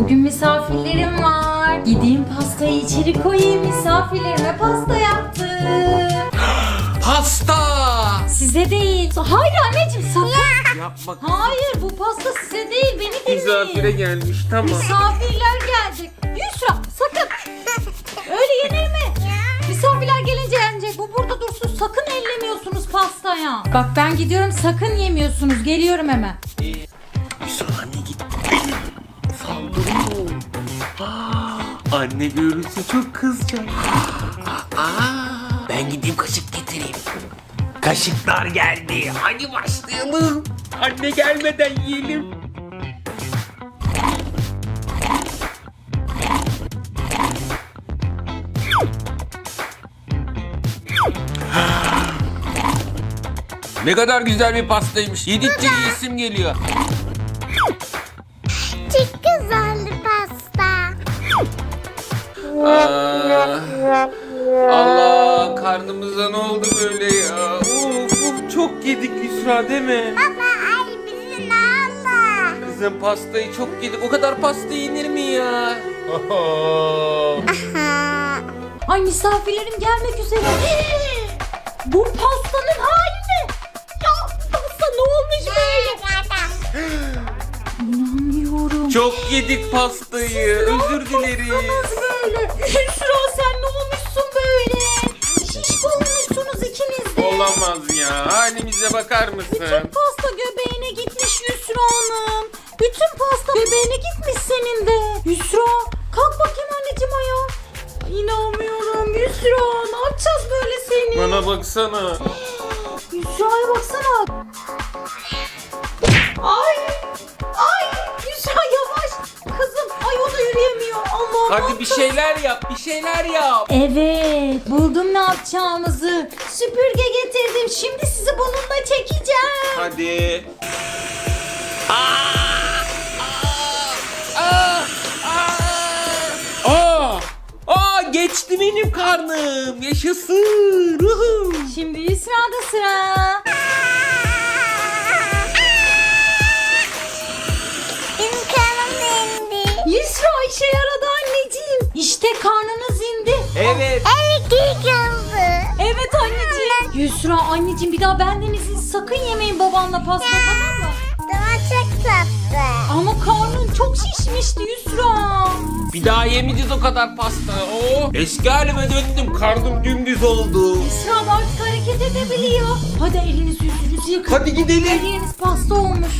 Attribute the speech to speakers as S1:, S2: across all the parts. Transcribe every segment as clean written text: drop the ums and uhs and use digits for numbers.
S1: Bugün misafirlerim var. Gideyim pastayı içeri koyayım. Misafirlerime pasta yaptım.
S2: Pasta!
S1: Size değil. Hayır anneciğim sakın.
S2: Yapma.
S1: Hayır bu pasta size değil. Beni dinleyin.
S2: Misafire gelmiş, tamam.
S1: Misafirler gelecek. Yusra sakın. Öyle yenir mi? Misafirler gelince yenecek. Bu burada dursun. Sakın ellemiyorsunuz pastaya. Bak ben gidiyorum sakın yemiyorsunuz. Geliyorum hemen.
S2: Yusra anne gitti. Saldırıyor. Anne görürse çok kızacak. Ben gideyim kaşık getireyim. Kaşıklar geldi. Hadi başlayalım. Anne gelmeden yiyelim. Ne kadar güzel bir pastaymış. Yedikçe yiyesim geliyor.
S3: Çok güzel pasta.
S2: Allah, karnımıza ne oldu böyle ya? Of, çok yedik Yusra değil mi?
S3: Baba ay bizi ne oldu?
S2: Kızım pastayı çok yedik. O kadar pasta yenir mi ya?
S1: Ay misafirlerim gelmek üzere. Bu pastanın hali ne? Ya pasta ne olmuş böyle? İnanmıyorum.
S2: Çok yedik pastayı. Özür dilerim.
S1: Nasıl böyle? Yusra sen ne olmuşsun böyle? Şişko olmuşsunuz ikiniz de.
S2: Olamaz ya. Halimize bakar
S1: Bütün
S2: mısın?
S1: pasta göbeğine gitmiş Yusra Hanım. Bütün pasta göbeğine gitmiş senin de. Yusra kalk bakayım anneciğim ayağa. İnanmıyorum Yusra. Ne yapacağız böyle seni?
S2: Bana baksana.
S1: Yusra'ya baksana. Ay. Ay. Yusra yavaş. Kızım. Ay o da yürüyemiyor. Allah'ım.
S2: Hadi bir şeyler yap. Bir şeyler yap.
S1: Evet. Buldum ne yapacağımızı. Süpürge getirdim. Şimdi sizi bununla çekeceğim.
S2: Hadi. Geçti benim karnım. Yaşasın. Ruhum.
S1: Şimdi Yusra'da sıra.
S3: Benim karnım indi.
S1: Yusra işe yaradı anneciğim. İşte karnınız indi.
S2: Evet.
S3: Evet iyi kaldı.
S1: Evet anneciğim. Yusra anneciğim bir daha benden izinsiz sakın yemeyin babanla pasta tamam mı?
S3: Daha çok tatlı.
S1: Ama karnın çok şişmişti Yusra.
S2: Bir daha yemeyeceğiz o kadar pasta. Oo. Eski halime döndüm. Karnım dümdüz oldu.
S1: Yusra artık hareket edebiliyor. Hadi elinizi yüzünüzü yıkayın.
S2: Hadi gidelim.
S1: Her yeriniz pasta olmuş.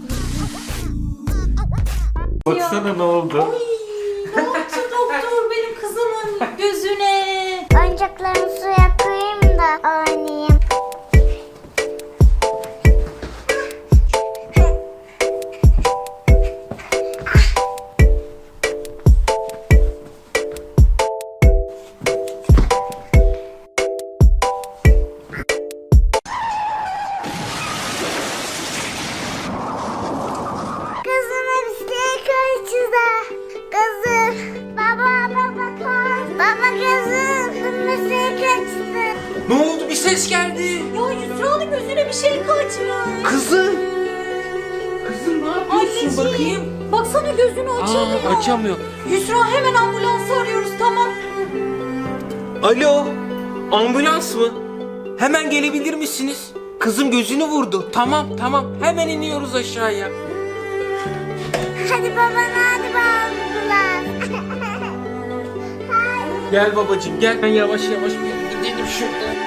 S2: Baksana ne oldu?
S1: Ay, ne yaptı doktor benim kızımın gözüne?
S3: Oyuncaklarımı suya koyayım da oynayayım. Kızıma bir şey kaçırdı. Kızım. Baba koy. Baba kızım. Bir şey kaçtı.
S2: Ne oldu? Bir ses geldi.
S1: Ya Yusra'nın gözüne bir şey kaçmış.
S2: Kızım. Kızım ne yapıyorsun? Bakayım.
S1: Baksana gözünü açamıyor.
S2: Açamıyor.
S1: Yusra hemen ambulansı arıyoruz tamam.
S2: Alo. Ambulans mı? Hemen gelebilir misiniz? Kızım gözünü vurdu. Tamam. Hemen iniyoruz aşağıya.
S3: Hadi baba hadi bağırdılar.
S2: Gel babacığım gel. Ben yavaş bir gidelim şuradan.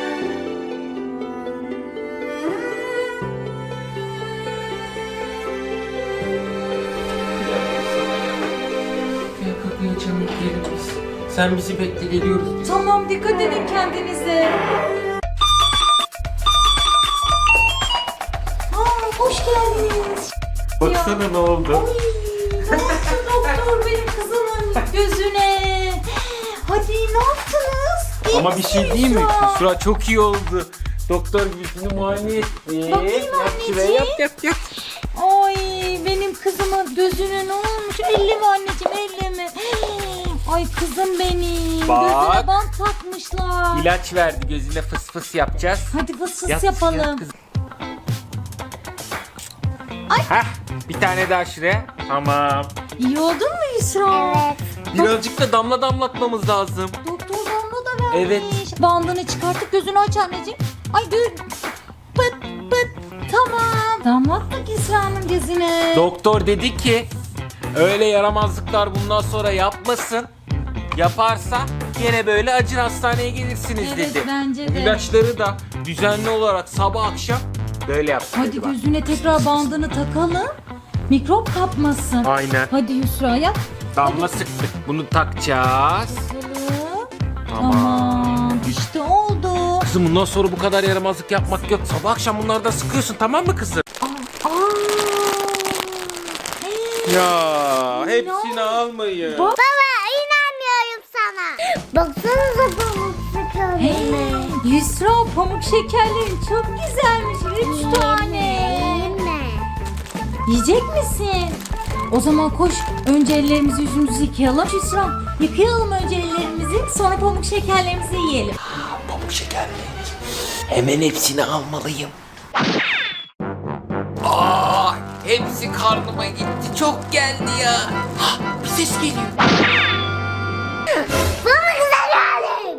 S2: Gel kapıyı açalım gidelim biz. Sen bizi bekle geliyoruz biz.
S1: Tamam dikkat edin kendinize. Hoş geldiniz.
S2: Baksana ne oldu?
S1: Ay, ne yaptı doktor benim kızımın gözüne? Hadi ne yaptınız? İyi
S2: Ama bir şey
S1: misin
S2: değil mi?
S1: Yusra?
S2: Yusra çok iyi oldu. Doktor gibisini muayene etti.
S1: Bakayım
S2: Yap şuraya,
S1: anneciğim.
S2: yap.
S1: Ay benim kızımın gözüne ne olmuş? Elleme anneciğim elleme. Ay kızım benim.
S2: Bak.
S1: Gözüne bant takmışlar.
S2: İlaç verdi, gözüne fıs fıs yapacağız.
S1: Hadi fıs
S2: Yat,
S1: yapalım.
S2: yat kızım. Heh, bir tane daha şuraya. Tamam.
S1: İyi oldun mu Yusra?
S3: Evet.
S2: Birazcık da damla damlatmamız lazım.
S1: Doktor damla da vermiş.
S2: Evet.
S1: Bandını çıkartıp gözünü aç anneciğim. Ay dur. Pıt pıt. Tamam. Damlattık Yusra'nın gözüne.
S2: Doktor dedi ki öyle yaramazlıklar bundan sonra yapmasın. Yaparsa yine böyle acil hastaneye gelirsiniz
S1: Evet,
S2: dedi.
S1: bence de.
S2: İlaçları da düzenli olarak sabah akşam böyle yapsın.
S1: Hadi
S2: dedi bak.
S1: gözüne tekrar bandını takalım. Mikrop kapmasın.
S2: Aynen.
S1: Hadi Yusra yap.
S2: Damla sıktık. Bunu takacağız.
S1: Bakalım.
S2: Tamam.
S1: Tamam. İşte oldu.
S2: Kızım bundan sonra bu kadar yaramazlık yapmak yok. Sabah akşam bunları da sıkıyorsun, tamam mı kızım?
S1: Aa. Hey.
S2: Ya hepsini almayın.
S1: Bak.
S3: Baba inanmıyorum sana. Baksanıza pamuk
S1: Hey,
S3: şekerlerine.
S1: Yusra pamuk şekerlerin çok güzelmiş. 3 tane.
S3: Yeme.
S1: Yiyecek misin? O zaman koş. Önce ellerimizi yüzümüzü yıkayalım. Yusra yıkayalım önce ellerimizi. Sonra pamuk şekerlerimizi yiyelim.
S2: Pamuk şekerleri. Hemen hepsini almalıyım. Aa, hepsi karnıma gitti. Çok geldi ya. Hah, bir ses geliyor.
S3: Bana güzel halim.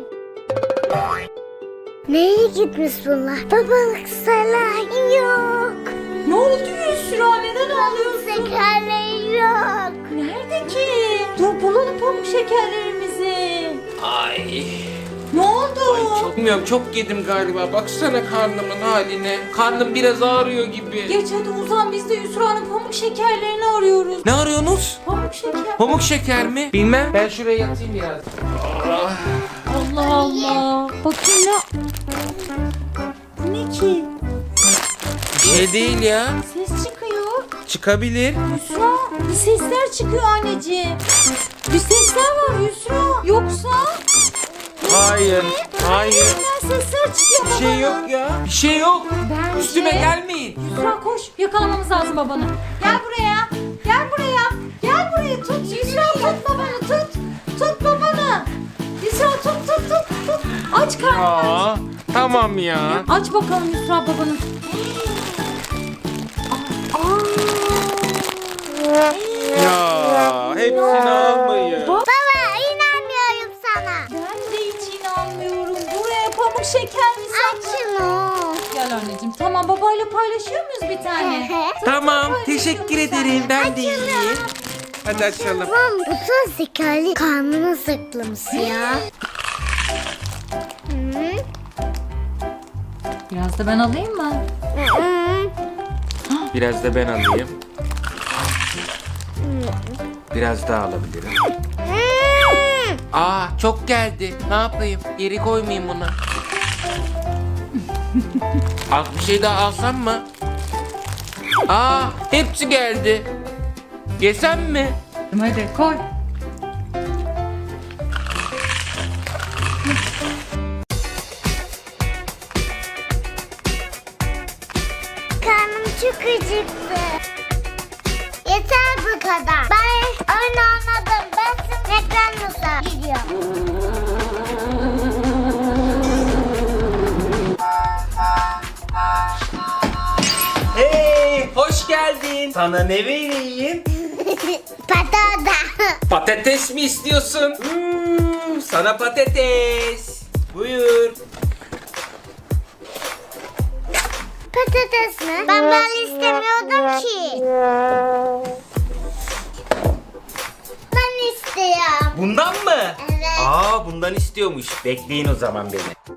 S3: Neye gitmiş bunlar? Babalık salah yok.
S1: Ne oldu Yusra? Neden ağlıyorsun?
S3: Şekerleri yok.
S1: Nerede ki? Dur bulalım pamuk şekerlerimizi.
S2: Ay.
S1: Ne oldu?
S2: Çok bilmiyorum, çok yedim galiba. Baksana karnımın haline. Karnım biraz ağrıyor gibi.
S1: Geç hadi uzan, biz de Yusra'nın pamuk şekerlerini arıyoruz.
S2: Ne arıyorsunuz?
S1: Pamuk şeker.
S2: Pamuk şeker mi? Bilmem. Ben şuraya yatayım biraz.
S1: Allah Allah. Bakayım ne? Bu ne ki?
S2: Bir şey değil ya.
S1: Ses çıkıyor.
S2: Çıkabilir.
S1: Yusra bir sesler çıkıyor anneciğim. Bir sesler var Yusra. Yoksa
S2: Hayır. Hayır.
S1: elinden sesler çıkıyor
S2: Bir şey yok ya. Bir şey yok.
S1: Bence-
S2: Üstüme gelmeyin.
S1: Yusra koş, yakalamamız lazım babanı. Gel buraya. Gel buraya. Gel buraya tut. Yusra tut babanı tut. Tut babanı. Yusra tut. Aç karnını aç.
S2: Aa, tamam ya.
S1: Aç bakalım Yusra babanı.
S2: Ya hepsini almayın.
S1: Bak.
S3: Baba inanmıyorum sana.
S1: Ben de hiç inanmıyorum. Buraya pamuk şeker mi
S3: Aç şunu.
S1: Gel anneciğim. Tamam babayla paylaşıyor muyuz bir tane?
S2: Tamam, teşekkür ederim. Ben de yiyeyim. Hadi açalım.
S3: Tamam bu da şekerli karnını sıklamış ya. Hı.
S1: Biraz da ben alayım mı?
S3: Hı.
S2: Biraz da ben alayım. Biraz daha alabilirim.
S3: Hı.
S2: Aa, çok geldi. Ne yapayım? Geri koymayayım bunu. Az bir şey daha alsam mı? Aa, hepsi geldi. Yesem mi?
S1: Hadi koy.
S3: Karnım çok acıktı. Yeter bu kadar. Ben oyun anladım. Ben şimdi McDonald's'a gidiyorum.
S2: Hey, hoş geldin. Sana ne vereyim?
S3: Patata.
S2: Patates mi istiyorsun? Sana patates. Buyur.
S3: Patates mi? Ben böyle istemiyordum ki. Ben istiyorum.
S2: Bundan mı?
S3: Evet.
S2: Aa, bundan istiyormuş. Bekleyin o zaman beni.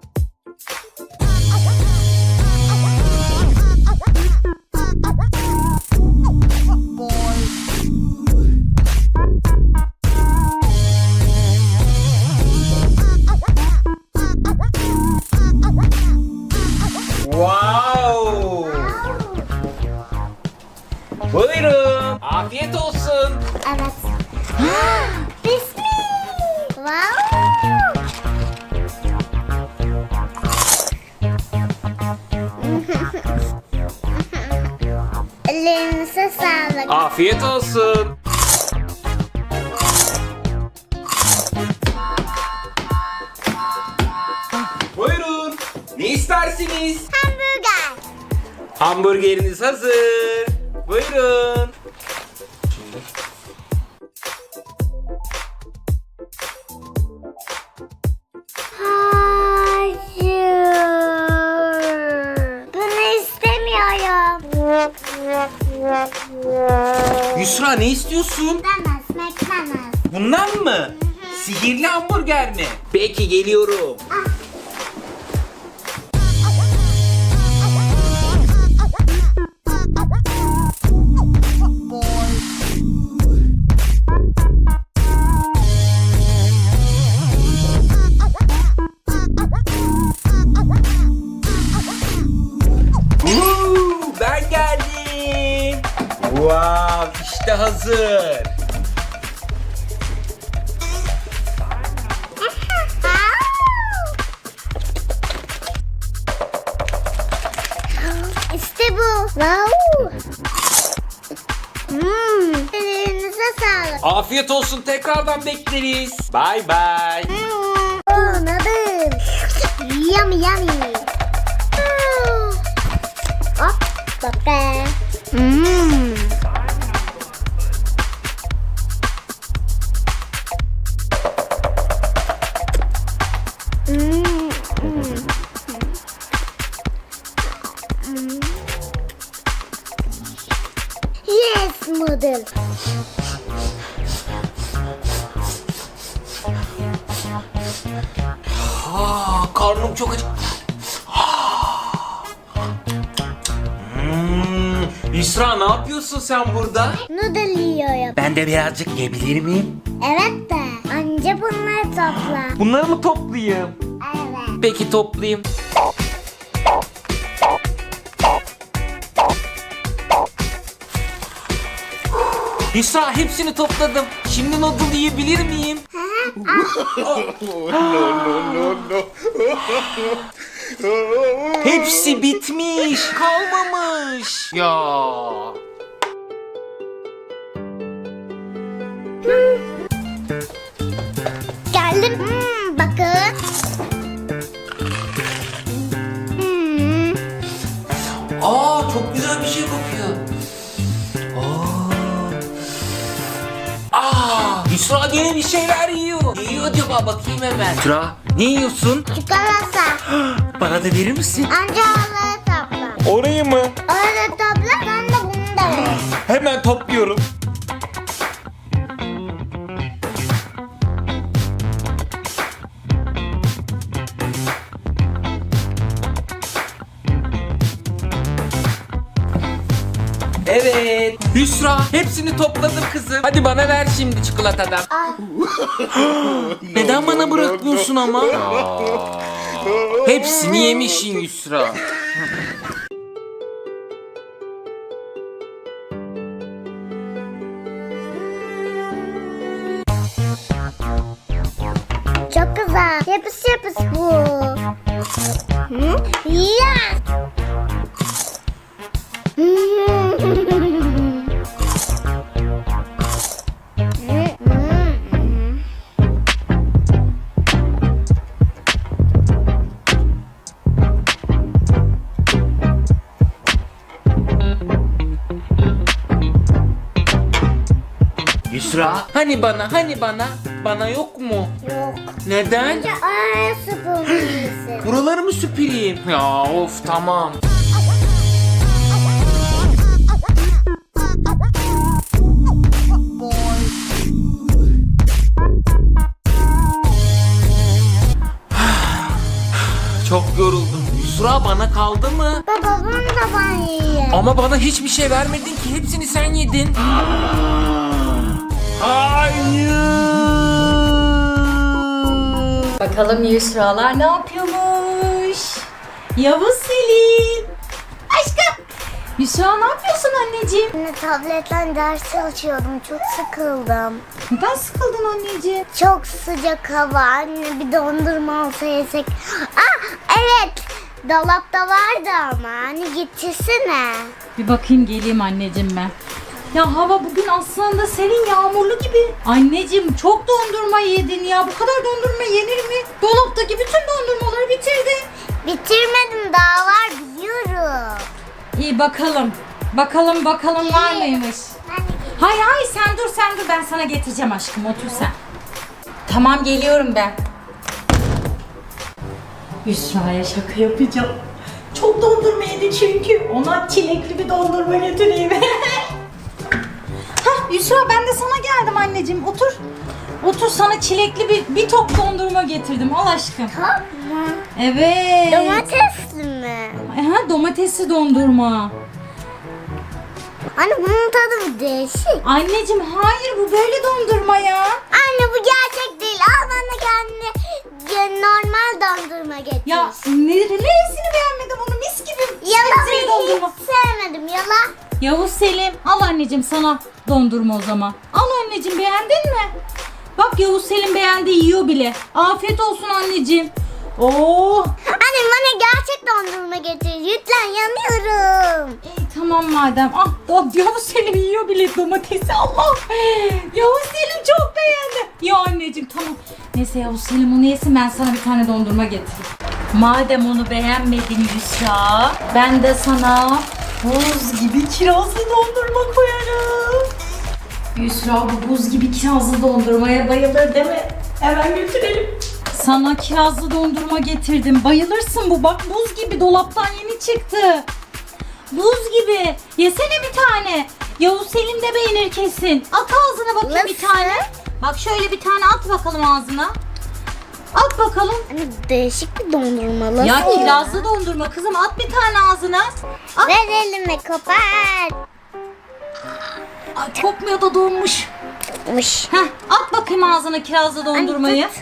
S2: Wow! Buyurun. Afiyet olsun.
S3: Evet. Bismillah. Wow. Ellerinize sağlık.
S2: Afiyet olsun. Buyurun. Ne istersiniz?
S3: Hamburger.
S2: Hamburgeriniz hazır. Buyurun. Yusra ne istiyorsun?
S3: McDonald's, McDonald's.
S2: Bundan mı? Sihirli hamburger mi? Peki geliyorum. Ben geldim. Wow, işte hazır.
S3: İşte bu. Wow. Ellerinize sağlık.
S2: Afiyet olsun, tekrardan bekleriz. Bye bye.
S3: Anladım. Yummy yummy. Hop baba. Yes model.
S2: Karnım çok acı. Yusra ne yapıyorsun sen burada?
S3: Noodle yiyorum.
S2: Ben de birazcık yiyebilir miyim?
S3: Evet de anca bunları topla.
S2: Bunları mı toplayayım?
S3: Evet.
S2: Peki toplayayım. Yusra hepsini topladım. Şimdi noodle yiyebilir miyim? Hepsi bitmiş. Kalmamış. Ya.
S3: Geldim. Bakın.
S2: Aa çok güzel bir şey kokuyor. Yusra yine bir şeyler yiyor. Ne yiyor acaba, bakayım hemen. Yusra ne yiyorsun?
S3: Çikolata.
S2: Bana da verir misin?
S3: Anca onları topla.
S2: Orayı mı?
S3: Orada topla. Ben de bunu da ver.
S2: Hemen topluyorum. Evet. Yusra hepsini topladım kızım. Hadi bana ver şimdi çikolatadan.
S3: Al.
S2: Neden bana bırakmıyorsun ama? Hepsini yemişsin Yusra.
S3: Çok güzel. Yapış yapış bu. Hı? Ya.
S2: Yusra hani bana bana yok mu?
S3: Yok.
S2: Neden?
S3: Anca araya süpürmelisin.
S2: Buraları mı süpüreyim? Ya of tamam. Çok yoruldum. Yusra bana kaldı mı?
S3: Baba bunu da ben yiyeyim.
S2: Ama bana hiçbir şey vermedin ki. Hepsini sen yedin. Hayır.
S1: Bakalım Yusralar ne yapıyormuş? Yavuz Selim. Aşkım. Yusra ne yapıyorsun anneciğim?
S3: Anne tabletten ders çalışıyordum. Çok sıkıldım.
S1: Neden sıkıldın anneciğim?
S3: Çok sıcak hava. Anne bir dondurma olsa yesek. Evet. Dolapta vardı ama. Anne getirsene.
S1: Bir bakayım geleyim anneciğim ben. Ya hava bugün aslında serin, yağmurlu gibi. Anneciğim çok dondurma yedin ya. Bu kadar dondurma yenir mi? Dolaptaki bütün dondurmaları bitirdin.
S3: Bitirmedim, daha var biliyorum.
S1: İyi bakalım. Bakalım var mıymış? Hayır sen dur ben sana getireceğim aşkım, otur sen. Tamam geliyorum ben. Yusra'ya şaka yapacağım. Çok dondurma yedi çünkü. Ona çilekli bir dondurma getireyim. Hah Yusra ben de sana geldim anneciğim. Otur. Otur, sana çilekli bir top dondurma getirdim. Al aşkım.
S3: Tamam.
S1: Evet.
S3: Domatesli mi?
S1: Aha, domatesli dondurma.
S3: Anne bunun tadı bir değişik.
S1: Anneciğim hayır, bu böyle dondurma ya.
S3: Anne bu gerçek değil. Al bana kendi normal dondurma getir.
S1: Ya neresini beğenmedim onu, mis gibi.
S3: Yala
S1: sebzeli dondurma.
S3: hiç sevmedim. Yala.
S1: Yavuz Selim, al anneciğim sana dondurma o zaman. Al anneciğim, beğendin mi? Bak Yavuz Selim beğendi, yiyor bile. Afiyet olsun anneciğim. Oo.
S3: Anne bana gerçek dondurma getir. Lütfen yanıyorum.
S1: İyi tamam madem. Ah Yavuz Selim yiyor bile domatesi. Allah. Yavuz Selim çok beğendi. Ya anneciğim tamam. Neyse Yavuz Selim onu yesin, ben sana bir tane dondurma getireyim. Madem onu beğenmedin Yusra, ben de sana buz gibi kirazlı dondurma koyarım. Yusra bu buz gibi kirazlı dondurmaya bayılır değil mi? Hemen götürelim. Sana kirazlı dondurma getirdim. Bayılırsın, bu bak buz gibi, dolaptan yeni çıktı. Buz gibi. Yesene bir tane. Yavuz Selim de beğenir kesin. At ağzına bakayım bir
S3: Nasıl?
S1: tane. Bak şöyle bir tane at bakalım ağzına. At bakalım.
S3: Anne değişik bir dondurma.
S1: Ya kirazlı dondurma kızım, at bir tane ağzına. At.
S3: Ver elime kopar.
S1: Ay, kokmuyor da donmuş.
S3: Mış.
S1: Heh, at bakayım ağzına kirazlı dondurmayı.
S3: Anne,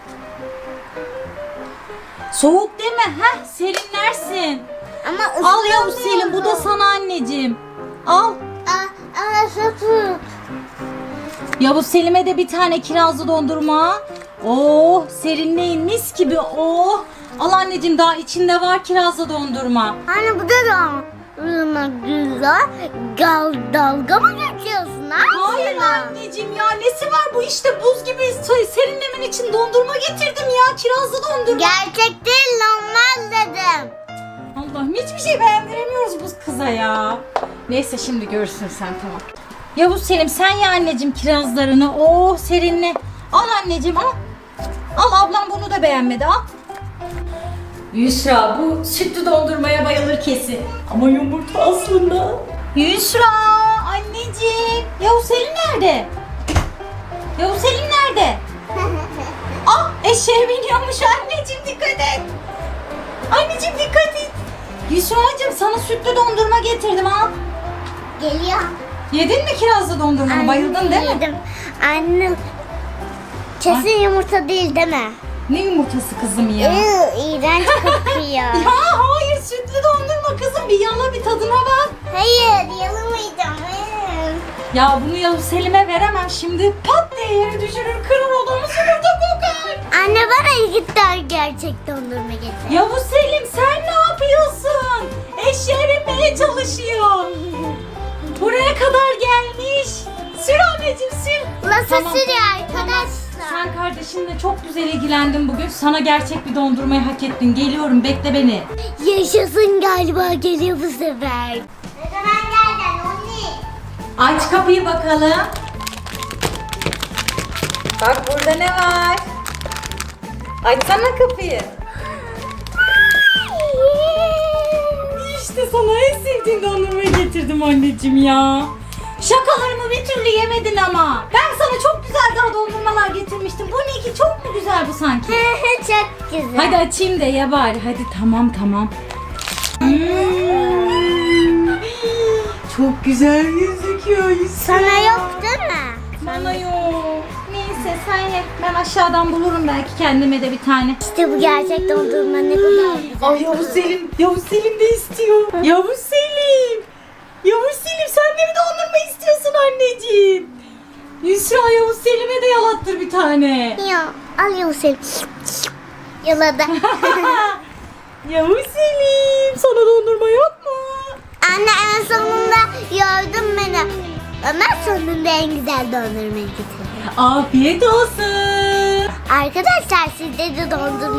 S1: Soğuk değil mi? Heh, serinlersin.
S3: Ama
S1: Al Yavuz Selim, bu da sana anneciğim. Al.
S3: Sapık.
S1: Yavuz Selim'e de bir tane kirazlı dondurma. Oh, serinleyin mis gibi. Oh. Al anneciğim, daha içinde var kirazlı dondurma.
S3: Anne bu da güzel. Dalga mı geçiyorsun?
S1: Hayır anneciğim ya, nesi var bu, işte buz gibi serinlemen için dondurma getirdim ya, kirazlı dondurma.
S3: Gerçek değil, normal dedim.
S1: Allah'ım, hiçbir şey beğendiremiyoruz bu kıza ya. Neyse şimdi görürsün sen, tamam. Yavuz Selim sen ye anneciğim kirazlarını. Oh serinle. Al anneciğim al. Al, ablam bunu da beğenmedi, al. Yusra bu sütlü dondurmaya bayılır kesin. Ama yumurta aslında. Yusra anneciğim. Yavuz Selim nerede? Yavuz Selim nerede? Ah, eşeğe biniyormuş anneciğim, dikkat et. Anneciğim dikkat et. Yusra'cığım sana sütlü dondurma getirdim, al.
S3: Geliyor.
S1: Yedin mi kirazlı dondurmanı? Bayıldın değil mi?
S3: Yedim. Anne kesin yumurta değil mi?
S1: Ne yumurtası kızım ya?
S3: İğrenç kokuyor.
S1: Ya hayır, sütlü dondurma kızım, bir yala bir tadına bak.
S3: Hayır yalamayacağım.
S1: Ya bunu Yavuz Selim'e veremem, şimdi pat diye yere düşürür, kırır odamı, yumurta kokar.
S3: Anne bana iki tane gerçek dondurma getir.
S1: Yavuz Selim sen ne yapıyorsun? Eşeğe binmeye çalışıyor. Buraya kadar gelmiş. Sür anneciğim sür.
S3: Nasıl
S1: Tamam,
S3: sürüyor
S1: tamam.
S3: arkadaşlar?
S1: Sen kardeşinle çok güzel ilgilendin bugün. Sana gerçek bir dondurmayı hak ettin. Geliyorum, bekle beni.
S3: Yaşasın, galiba geliyor bu sefer. Ne zaman geldin anne?
S1: Aç kapıyı bakalım. Bak burada ne var? Açsana kapıyı. İşte sana en sevdiğin dondurmayı getirdim anneciğim ya. Şakalarımı bir türlü yemedin ama. Ben sana çok güzel daha dondurmalar getirmiştim. Bu ne ki, çok mu güzel bu sanki?
S3: Çok güzel.
S1: Hadi açayım da ye bari. Hadi tamam. Çok güzel gözüküyor Yusra.
S3: Sana yok değil mi?
S1: Bana yok. Neyse sen ye. Ben aşağıdan bulurum belki kendime de bir tane.
S3: İşte bu gerçek dondurma ne kadar güzel.
S1: Ay Yavuz Selim de istiyor. Yavuz Selim sen de mi dondurma istiyorsun anneciğim? Yusra Yavuz Selim'e de yalattır bir tane.
S3: Ya al Yusuf. Yaladı.
S1: Yavuz Selim sana dondurma yok mu?
S3: Anne en sonunda gördün beni. Ömer sonunda en güzel dondurmayı getirdi.
S1: Afiyet olsun.
S3: Arkadaşlar sizde de dondurma